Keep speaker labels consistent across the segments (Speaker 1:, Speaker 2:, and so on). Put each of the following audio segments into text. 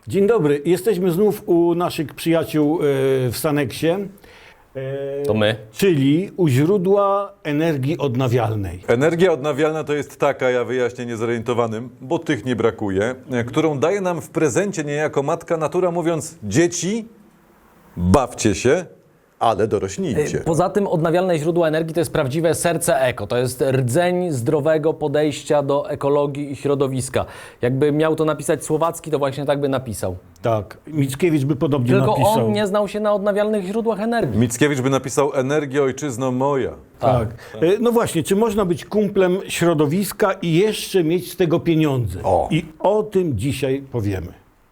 Speaker 1: Dzień dobry. Jesteśmy znów u naszych przyjaciół w Saneksie.
Speaker 2: To my.
Speaker 1: Czyli u źródła energii odnawialnej.
Speaker 3: Energia odnawialna to jest taka, ja wyjaśnię niezorientowanym, bo tych nie brakuje, którą daje nam w prezencie niejako matka natura, mówiąc: dzieci, bawcie się, ale dorośnijcie.
Speaker 2: Poza tym odnawialne źródła energii to jest prawdziwe serce eko. To jest rdzeń zdrowego podejścia do ekologii i środowiska. Jakby miał to napisać Słowacki, to właśnie tak by napisał.
Speaker 1: Tak, Mickiewicz by podobnie
Speaker 2: Tylko
Speaker 1: napisał.
Speaker 2: on nie znał się na odnawialnych źródłach energii.
Speaker 3: Mickiewicz by napisał: energia ojczyzno moja.
Speaker 1: Tak. No właśnie, czy można być kumplem środowiska i jeszcze mieć z tego pieniądze?
Speaker 3: O.
Speaker 1: I o tym dzisiaj powiemy.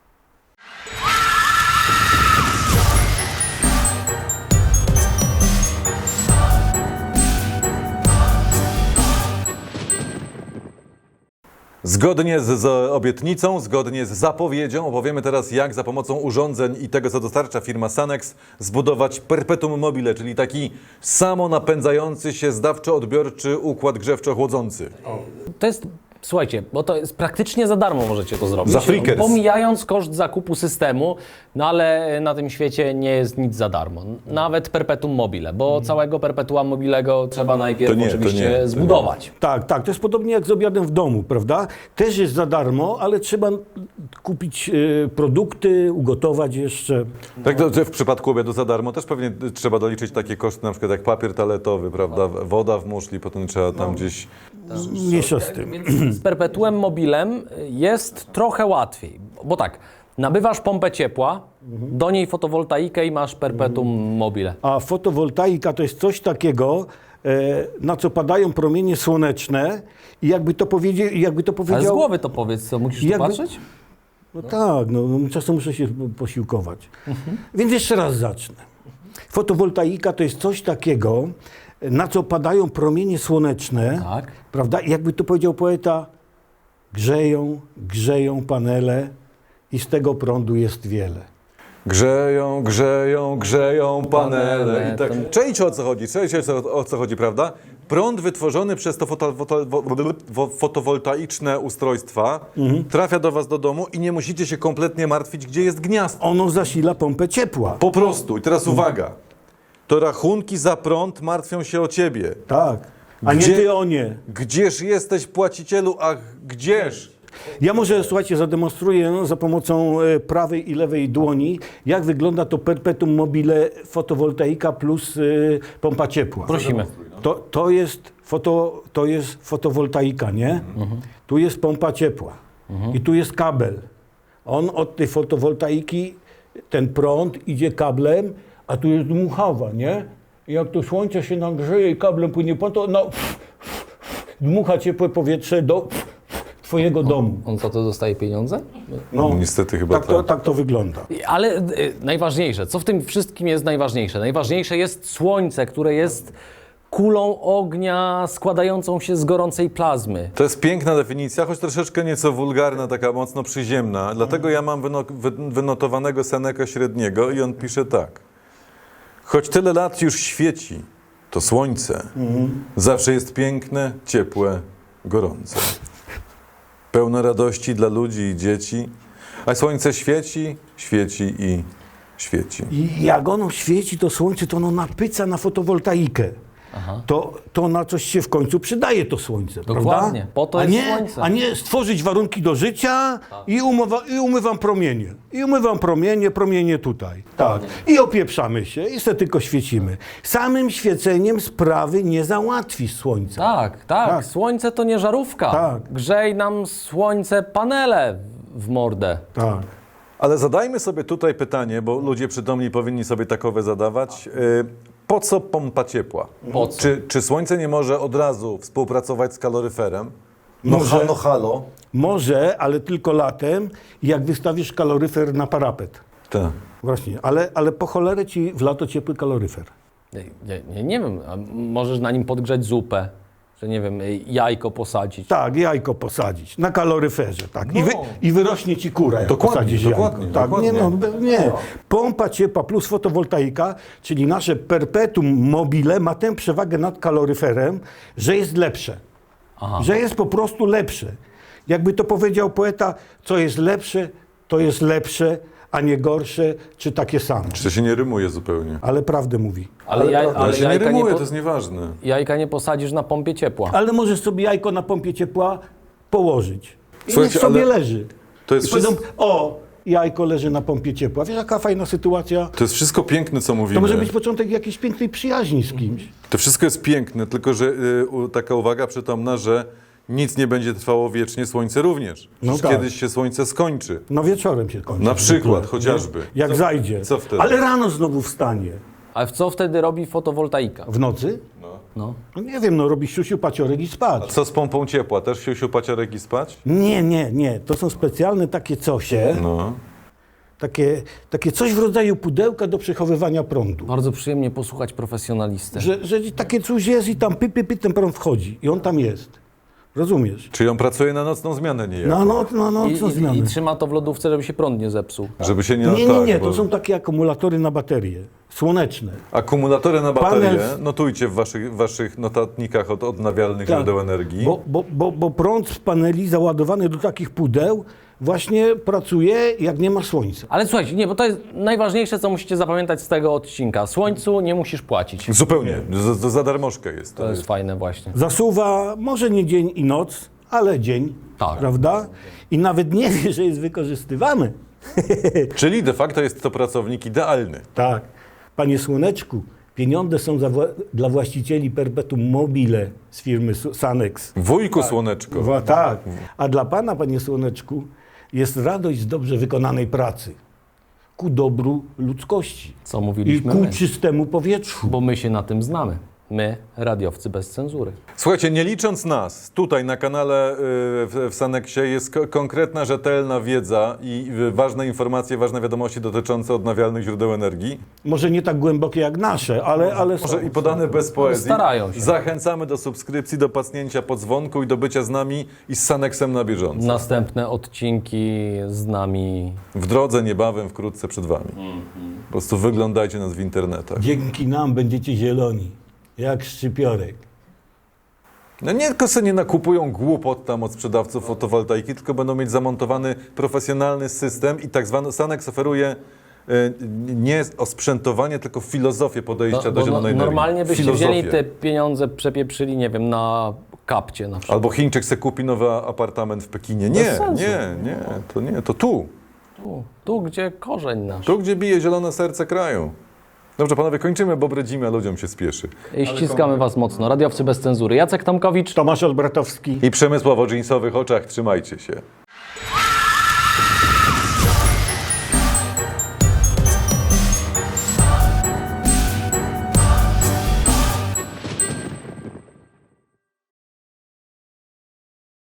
Speaker 3: Zgodnie z obietnicą, zgodnie z zapowiedzią opowiemy teraz, jak za pomocą urządzeń i tego, co dostarcza firma Sanex, zbudować perpetuum mobile, czyli taki samonapędzający się zdawczo-odbiorczy układ grzewczo-chłodzący.
Speaker 2: To jest, słuchajcie, bo to jest praktycznie za darmo możecie to zrobić.
Speaker 3: Za frikers.
Speaker 2: Pomijając koszt zakupu systemu, no ale na tym świecie nie jest nic za darmo. Nawet perpetuum mobile, bo całego perpetuum mobilego trzeba najpierw oczywiście zbudować.
Speaker 1: Tak, tak. To jest podobnie jak z obiadem w domu, prawda? Też jest za darmo, ale trzeba kupić produkty, ugotować jeszcze.
Speaker 3: Tak, to że w przypadku obiadu za darmo też pewnie trzeba doliczyć takie koszty, na przykład jak papier toaletowy, prawda? Woda w muszli, potem trzeba tam gdzieś...
Speaker 1: Mniejsza z tym.
Speaker 2: Z perpetuem mobilem jest trochę łatwiej, bo tak, nabywasz pompę ciepła, do niej fotowoltaikę i masz perpetuum mobile.
Speaker 1: A fotowoltaika to jest coś takiego, na co padają promienie słoneczne i jakby to powiedział...
Speaker 2: Ale z głowy to powiedz, co musisz tu
Speaker 1: Jakby-
Speaker 2: patrzeć?
Speaker 1: No tak, no czasem muszę się posiłkować. Więc jeszcze raz zacznę. Fotowoltaika to jest coś takiego, na co padają promienie słoneczne,
Speaker 2: Tak.
Speaker 1: prawda? I jakby to powiedział poeta, grzeją panele i z tego prądu jest wiele.
Speaker 3: Grzeją panele. I tak. Czajcie, o co chodzi, prawda? Prąd wytworzony przez to fotowoltaiczne ustrojstwa trafia do was do domu i nie musicie się kompletnie martwić, gdzie jest gniazdo.
Speaker 1: Ono zasila pompę ciepła.
Speaker 3: Po prostu. I teraz uwaga. To rachunki za prąd martwią się o ciebie.
Speaker 1: Tak. A
Speaker 3: Gdzie-
Speaker 1: nie ty o nie.
Speaker 3: Gdzież jesteś, płacicielu? Ach, gdzież?
Speaker 1: Ja może, słuchajcie, zademonstruję za pomocą prawej i lewej dłoni, jak wygląda to perpetuum mobile fotowoltaika plus pompa ciepła.
Speaker 2: Prosimy.
Speaker 1: To jest fotowoltaika, nie? Tu jest pompa ciepła i tu jest kabel. On od tej fotowoltaiki, ten prąd idzie kablem, a tu jest dmuchawa, nie? I jak to słońce się nagrzeje i kablem płynie po to, no, dmucha ciepłe powietrze do twojego domu.
Speaker 2: On za to dostaje pieniądze?
Speaker 1: No,
Speaker 3: Niestety chyba
Speaker 1: tak to wygląda.
Speaker 2: Ale najważniejsze, co w tym wszystkim jest najważniejsze? Najważniejsze jest słońce, które jest kulą ognia składającą się z gorącej plazmy.
Speaker 3: To jest piękna definicja, choć troszeczkę nieco wulgarna, taka mocno przyziemna. Dlatego ja mam wynotowanego Seneca średniego i on pisze tak. Choć tyle lat już świeci, to słońce zawsze jest piękne, ciepłe, gorące. Pełne radości dla ludzi i dzieci, a słońce świeci, świeci i świeci.
Speaker 1: I jak ono świeci, to słońce, to ono napyca na fotowoltaikę. To na coś się w końcu przydaje to słońce,
Speaker 2: Dokładnie,
Speaker 1: prawda?
Speaker 2: po to jest słońce.
Speaker 1: A nie stworzyć warunki do życia i umywam promienie. I umywam promienie tutaj. Tak. I opieprzamy się i se tylko świecimy. Samym świeceniem sprawy nie załatwisz słońca.
Speaker 2: Tak. Słońce to nie żarówka.
Speaker 1: Tak.
Speaker 2: Grzej nam słońce panele w mordę.
Speaker 1: Tak.
Speaker 3: Ale zadajmy sobie tutaj pytanie, bo ludzie przytomni powinni sobie takowe zadawać. Po co pompa ciepła?
Speaker 2: Po co?
Speaker 3: Czy słońce nie może od razu współpracować z kaloryferem?
Speaker 1: Może.
Speaker 3: Halo.
Speaker 1: Może, ale tylko latem, jak wystawisz kaloryfer na parapet.
Speaker 3: Tak.
Speaker 1: Właśnie, ale po cholerę ci w lato ciepły kaloryfer.
Speaker 2: Nie wiem, a możesz na nim podgrzać zupę, że nie wiem, jajko posadzić.
Speaker 1: Tak, jajko posadzić na kaloryferze, tak.
Speaker 2: No.
Speaker 1: I wyrośnie ci kura, jak
Speaker 3: Dokładnie,
Speaker 1: posadzisz
Speaker 3: dokładnie,
Speaker 1: jajko. Tak,
Speaker 3: dokładnie.
Speaker 1: nie. Pompa ciepła plus fotowoltaika, czyli nasze perpetuum mobile ma tę przewagę nad kaloryferem, że jest lepsze. Że jest po prostu lepsze. Jakby to powiedział poeta, co jest lepsze, to jest lepsze, a nie gorsze, czy takie same.
Speaker 3: Czy to się nie rymuje zupełnie?
Speaker 1: Ale prawdę mówi.
Speaker 3: Ale się nie
Speaker 2: jajka
Speaker 3: rymuje,
Speaker 2: po-
Speaker 3: to jest nieważne.
Speaker 2: Jajka nie posadzisz na pompie ciepła.
Speaker 1: Ale możesz sobie jajko na pompie ciepła położyć. I
Speaker 3: Słuchajcie,
Speaker 1: niech sobie
Speaker 3: ale
Speaker 1: leży.
Speaker 3: to jest
Speaker 1: I powiedzą,
Speaker 3: wszystko-
Speaker 1: o, jajko leży na pompie ciepła. Wiesz, jaka fajna sytuacja?
Speaker 3: To jest wszystko piękne, co mówimy.
Speaker 1: To może być początek jakiejś pięknej przyjaźni z kimś.
Speaker 3: To wszystko jest piękne, tylko że taka uwaga przytomna, że nic nie będzie trwało wiecznie, słońce również.
Speaker 1: No
Speaker 3: Przecież
Speaker 1: tak.
Speaker 3: kiedyś się słońce skończy.
Speaker 1: No wieczorem się kończy.
Speaker 3: Na przykład,
Speaker 1: zwykle,
Speaker 3: chociażby.
Speaker 1: nie? Jak zajdzie.
Speaker 3: co wtedy?
Speaker 1: Ale rano znowu wstanie.
Speaker 2: Ale co wtedy robi fotowoltaika?
Speaker 1: W nocy?
Speaker 2: No.
Speaker 1: No nie wiem, no robi siusiu, paciorek i spać.
Speaker 3: Co z pompą ciepła? Też siusiu, paciorek i spać?
Speaker 1: Nie. To są specjalne takie cosie.
Speaker 3: No.
Speaker 1: Takie coś w rodzaju pudełka do przechowywania prądu.
Speaker 2: Bardzo przyjemnie posłuchać profesjonalistę.
Speaker 1: Że takie coś jest i tam ten prąd wchodzi. I on tam jest. Rozumiesz?
Speaker 3: Czyli on pracuje na nocną zmianę niejako.
Speaker 1: Na nocną zmianę.
Speaker 2: I trzyma to w lodówce, żeby się prąd nie zepsuł.
Speaker 3: Żeby się nie...
Speaker 1: Nie,
Speaker 3: bo
Speaker 1: to są takie akumulatory na baterie. Słoneczne.
Speaker 3: akumulatory na baterie.
Speaker 1: Panel-
Speaker 3: Notujcie w waszych notatnikach od odnawialnych
Speaker 1: Tak.
Speaker 3: źródeł energii.
Speaker 1: Bo prąd z paneli załadowany do takich pudeł właśnie pracuje, jak nie ma słońca.
Speaker 2: Ale słuchajcie, nie, bo to jest najważniejsze, co musicie zapamiętać z tego odcinka. Słońcu nie musisz płacić.
Speaker 3: Zupełnie. Za darmożkę jest.
Speaker 2: To jest fajne właśnie.
Speaker 1: Zasuwa może nie dzień i noc, ale dzień,
Speaker 2: Tak.
Speaker 1: prawda? I nawet nie wie, że jest wykorzystywany.
Speaker 3: Czyli de facto jest to pracownik idealny.
Speaker 1: Tak. Panie Słoneczku, pieniądze są dla właścicieli perpetuum mobile z firmy Sanex.
Speaker 3: Wujku Słoneczko.
Speaker 1: Tak. A dla pana, panie Słoneczku, jest radość z dobrze wykonanej pracy. Ku dobru ludzkości.
Speaker 2: Co
Speaker 1: I
Speaker 2: mówiliśmy
Speaker 1: ku
Speaker 2: my.
Speaker 1: czystemu powietrzu.
Speaker 2: Bo my się na tym znamy. My, radiowcy bez cenzury.
Speaker 3: Słuchajcie, nie licząc nas, tutaj na kanale w Saneksie jest konkretna, rzetelna wiedza i ważne informacje, ważne wiadomości dotyczące odnawialnych źródeł energii.
Speaker 1: Może nie tak głębokie jak nasze, ale są.
Speaker 3: Może i podane bez poezji.
Speaker 2: Starają się.
Speaker 3: Zachęcamy do subskrypcji, do pacnięcia po dzwonku i do bycia z nami i z Saneksem na bieżąco.
Speaker 2: Następne odcinki z nami.
Speaker 3: W drodze niebawem, wkrótce przed wami. Po prostu wyglądajcie nas w internetach.
Speaker 1: Dzięki nam będziecie zieloni, jak szczypiorek.
Speaker 3: No nie tylko sobie nie nakupują głupot tam od sprzedawców fotowoltaiki, tylko będą mieć zamontowany profesjonalny system i tak zwany Sanex oferuje nie osprzętowanie, tylko filozofię podejścia do zielonej energii.
Speaker 2: Normalnie byście
Speaker 3: Filozofię.
Speaker 2: wzięli te pieniądze, przepieprzyli, nie wiem, na kapcie na przykład.
Speaker 3: Albo Chińczyk se kupi nowy apartament w Pekinie.
Speaker 2: Bez
Speaker 3: Nie,
Speaker 2: sensu.
Speaker 3: nie, to tu.
Speaker 2: Tu, gdzie korzeń nasz.
Speaker 3: Tu, gdzie bije zielone serce kraju. Dobrze, panowie, kończymy, bo bredzimy, a ludziom się spieszy.
Speaker 2: I ściskamy was mocno. Radiowcy bez cenzury. Jacek Tomkowicz.
Speaker 1: Tomasz Olbratowski.
Speaker 3: I Przemysław o dżinsowych oczach, trzymajcie się.